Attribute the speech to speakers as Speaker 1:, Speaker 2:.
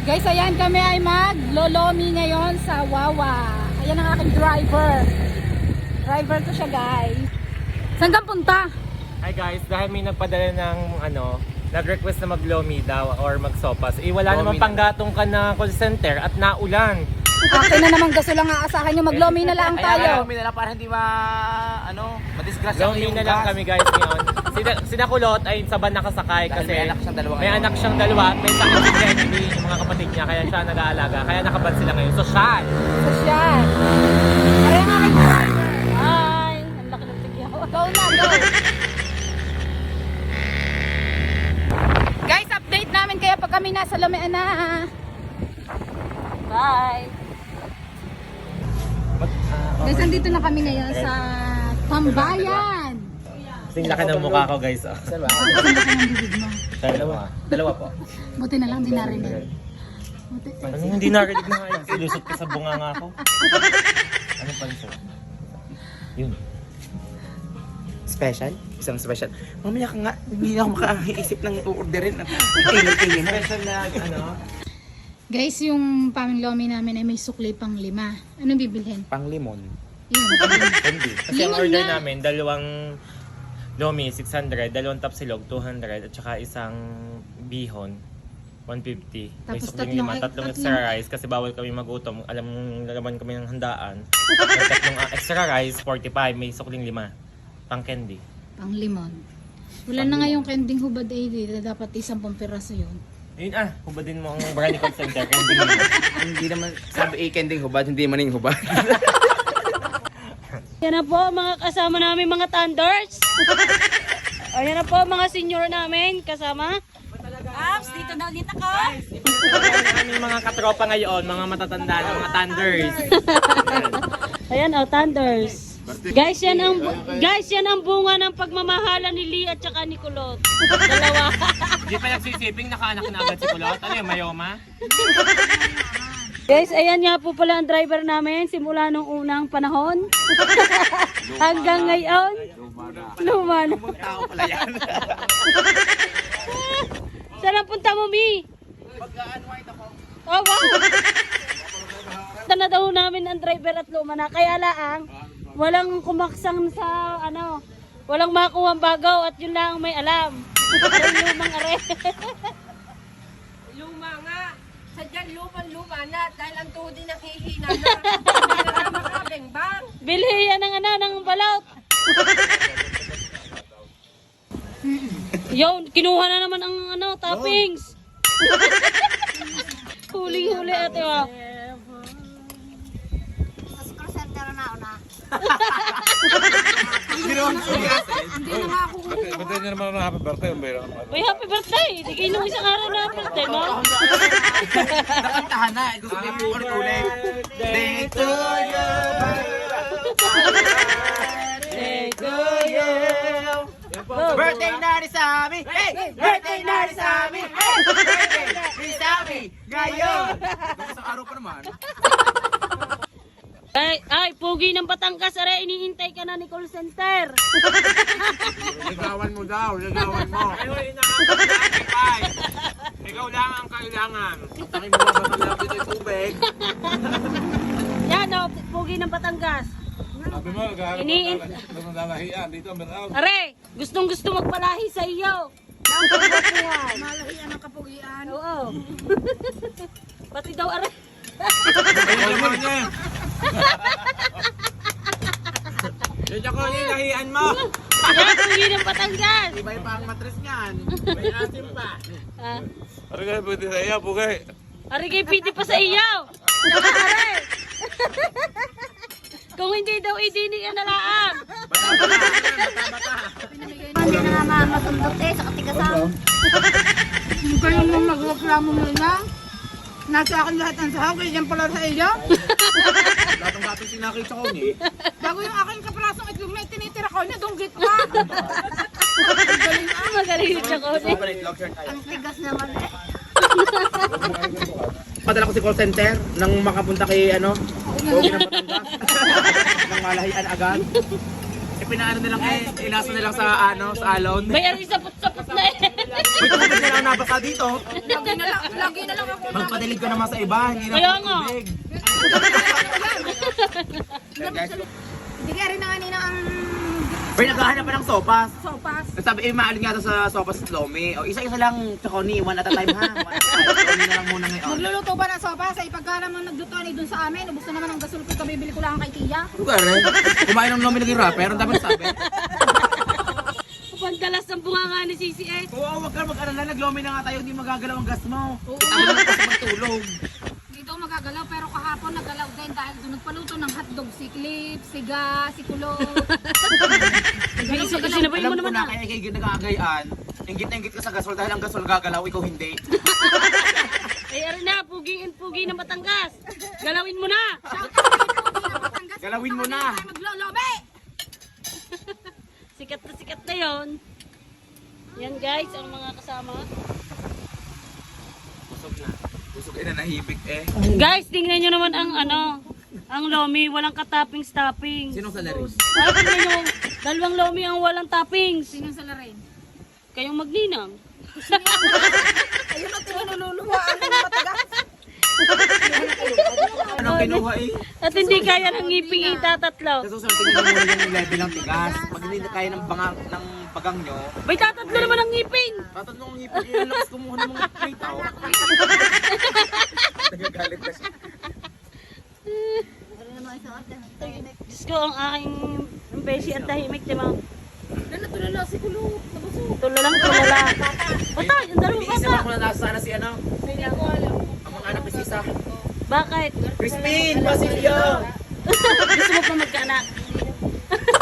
Speaker 1: Guys, ayan kami ay mag-lolomi ngayon sa Wawa. Ayan ang aking driver. Driver ko siya, guys. Saan ka punta?
Speaker 2: Hi guys, dahil may nagpadala ng nag-request na mag-lomi daw or mag-sopas. Eh wala namang panggatong ka na call center at naulan.
Speaker 1: Akin na naman gaso lang aasahan nyo. Mag-lomi na lang tayo.
Speaker 3: Lomi na lang para hindi madisgrasya
Speaker 2: Lomi na lang kami guys ngayon. Sina Kulot ay sa van nakasakay kasi may anak siyang dalawa at may sakit si Jenny, yung mga kapatid niya, kaya siya nag-aalaga. Kaya nakaban sila ngayon. Sosyal!
Speaker 1: Sosyal. Kaya ang aking driver. Ay, ang laki ng tigyaw. Go na, go! Guys, update namin kaya pag kami nasa Lomian na. Bye! Guys, andito na kami ngayon sa Tambayan.
Speaker 2: Kasing laki ng mukha ko guys.
Speaker 1: Ang laki ng bibig mo.
Speaker 3: Dalawa po.
Speaker 1: Buti na lang di narinig. Buti.
Speaker 2: Ano hindi narinig na nga yun? Silusot ka sa bunga nga ako. Anong panso? Yun.
Speaker 3: Special? Isang special. Mamaya ka nga, hindi na ako makaisip ng orderin. Tingin-tingin.
Speaker 2: Special na
Speaker 1: Guys, yung paminglomi namin ay may sukli pang 5. Anong bibilhin?
Speaker 3: Pang limon.
Speaker 1: Yun.
Speaker 2: Hindi. Kasi ang
Speaker 1: Limon
Speaker 2: order
Speaker 1: na.
Speaker 2: namin, dalawang lomi, 600, dalawang tapsilog, 200, at saka isang bihon, 150. May
Speaker 1: Tapos
Speaker 2: sukling lima, tatlong extra rice kasi bawal kami magutom. Alam mong nalaman kami ng handaan. May tatlong extra rice, 45, may sukling 5. Pang candy.
Speaker 1: Pang limon. Wala na nga yung kending hubad eh. Dapat 10 piraso yun.
Speaker 2: Yun hubadin mo ang brand call center, candy mo.
Speaker 3: Hindi naman, sabi kending hubad, hindi maning hubad.
Speaker 4: Yan na po mga kasama namin mga Thunders. Ayan na po mga senior namin kasama. Apps, dito na ulit ako.
Speaker 2: Aming mga katropa ngayon, mga matatanda na mga thunders.
Speaker 4: Ayan oh, Thunders. Guys, yan ang bunga ng pagmamahala ni Lee at saka ni Kulot. Dalawa.
Speaker 2: Hindi pa nagsisiping, nakaanak na agad si Kulot. Ano yung mayoma?
Speaker 4: Guys, ayan nga po pala ang driver namin simula nung unang panahon. Hanggang ngayon. Luma na.
Speaker 3: Tao pala yan.
Speaker 4: Saan ang punta mo, Mi?
Speaker 3: Pag-unwind ako.
Speaker 4: Oh, wow. Ito na daw namin ang driver at luma na. Kaya laang, walang kumaksang sa walang makuha ang bagaw at yun lang may alam. Yung lumang are.
Speaker 5: Luma nga. Sadyang luma na dahil ang tuhod din naghihina na. Hindi na makabeng-bang.
Speaker 4: Bilhi yan ng balot. Yo, kinuha na naman ang toppings. Huling-huli ate wa.
Speaker 1: Hindi na nga ako.
Speaker 6: Ba't niya naman ang happy birthday?
Speaker 4: Uy, happy birthday! Di kayo nung isang araw na birthday mo.
Speaker 3: Nakantahan na. Gusto niya po ulit. Day to you.
Speaker 4: Day to you.
Speaker 3: Birthday na rin sa amin! Hey! Birthday na rin sa amin! Hey! Birthday na rin sa amin! Ngayon! Isang araw pa naman.
Speaker 4: Ay, pugi ng Batangas, are, iniintay ka na ni call center.
Speaker 6: Ligawan mo daw, ligawan mo.
Speaker 2: Ay, nakakapagpapay. Ikaw lang ang kailangan.
Speaker 3: Takin mo ba ba lang dito yung tubig?
Speaker 4: Yan o, pugi ng Batangas.
Speaker 6: Sabi mo, naglalalahian dito, meron.
Speaker 4: Are, gustong gusto magpalahi sa iyo. Ang pagpapuhan.
Speaker 1: Malahian ang kapugian.
Speaker 4: Oo. Pati daw, are.
Speaker 6: Ayun naman niya.
Speaker 2: Yun ako yung lahian mo.
Speaker 4: Yan, pugi ng Batangas.
Speaker 3: Iba pa ang matres niyan.
Speaker 2: May asim pa.
Speaker 4: Ah,
Speaker 6: Ano kaya pwede sa iya, bugay?
Speaker 4: are, kay piti pa sa iyo. Saka, are. Kung hindi daw idini ka na laang.
Speaker 1: Hindi na nga masundot sa katigasan. Hindi kayo nung nagreklamo mo na. Nasa akin lahat ng sahog, kaya dyan pala sa iyo.
Speaker 3: Lahat ng gatong sinakita ko niya.
Speaker 1: Bago yung aking kaprasong itlog na itinitira ko niya, dunggit pa.
Speaker 4: Magaling siya ko.
Speaker 1: Ang tigas naman eh.
Speaker 3: Padala ko si call center nang makapunta kay Pogi ng Batangas. Nang malahian agad. Pinaano nilang ilasa nilang sa sa alon.
Speaker 4: May ari sapot-sapot na eh.
Speaker 3: May tubig na lang nabasa dito.
Speaker 5: Lagi na lang ako na.
Speaker 3: Magpadilig ka naman sa iba, hindi na
Speaker 4: Kaya
Speaker 3: ako
Speaker 4: nga.
Speaker 3: tubig.
Speaker 1: Hindi kaya rin na kanina ang
Speaker 3: Pero naghahanap pa ng sopas.
Speaker 1: sopas.
Speaker 3: Sabi, maalin nga to sa sopas at lomi. O, isa-isa lang, Chaconi, one at a time ha. One at a time. Lomi na lang muna ngayon.
Speaker 1: Magluluto ba ng sopas? Ay pagka naman nagluto ni dun sa amin, ubos na naman ang gasol ko, kabibili ko lang kay Tia.
Speaker 3: Ano ka rin? Kumain ng lomi naging rapper, ang dami nasabi.
Speaker 4: Pandalas ng bunganga ni Sisi eh.
Speaker 3: Oo, wag ka mag-alala, naglomi na nga tayo, hindi magagalaw ang gas mo. Tama na kasi magtulog.
Speaker 1: Dito magagalaw pero kahapon nagalaw din dahil doon nagpaluto ng hotdog si Clip, si Ga, si Kulo.
Speaker 4: Sinabayin mo
Speaker 3: Alam ko
Speaker 4: naman
Speaker 3: na,
Speaker 4: ah.
Speaker 3: kaya ikay nagkakagayaan. Ingit na ingit ka sa gasol dahil ang gasol gagalaw, ikaw hindi.
Speaker 4: Ay, arin na, pugi na Batangas. Galawin mo na.
Speaker 3: Galawin mo na.
Speaker 1: Maglolobe!
Speaker 4: Sikat na yon. Yan guys, ang mga kasama.
Speaker 3: Busog na. Busog na nahibig eh.
Speaker 4: Guys, tingnan nyo naman ang ang lomi, walang ka-toppings.
Speaker 3: Sinong salaris?
Speaker 4: Ay, tingnan nyo, dalawang lomi ang walang toppings.
Speaker 1: Sino sa larin?
Speaker 4: Kayong magninang.
Speaker 1: Ayun na tinululuwa ang matagas.
Speaker 3: Anong kinuha eh?
Speaker 4: At hindi kaya ng ngiping itatatlo.
Speaker 3: Sa susunod, tingnan mo muna yung level ng tigas. Pag hindi kaya ng bagang nyo,
Speaker 4: Bay, tatatlo naman ang ngipin.
Speaker 3: tatanong ang ngipin yun, lakas kumuha ng mga plate ako. Nagagalit na siya.
Speaker 4: Diyos ko, ang aking beshi at tahimik, di ba?
Speaker 1: Tulala si Kulo. Nabusog.
Speaker 4: Tulala. Patay, ang dalawang
Speaker 3: Iniisip
Speaker 4: bata.
Speaker 3: ako na nasa sana si ano,
Speaker 1: Hindi ko alam.
Speaker 3: ang mga anak ni Sisa.
Speaker 4: Bakit?
Speaker 3: Crispin! Basilio!
Speaker 4: Gusto mo pa magkaanak?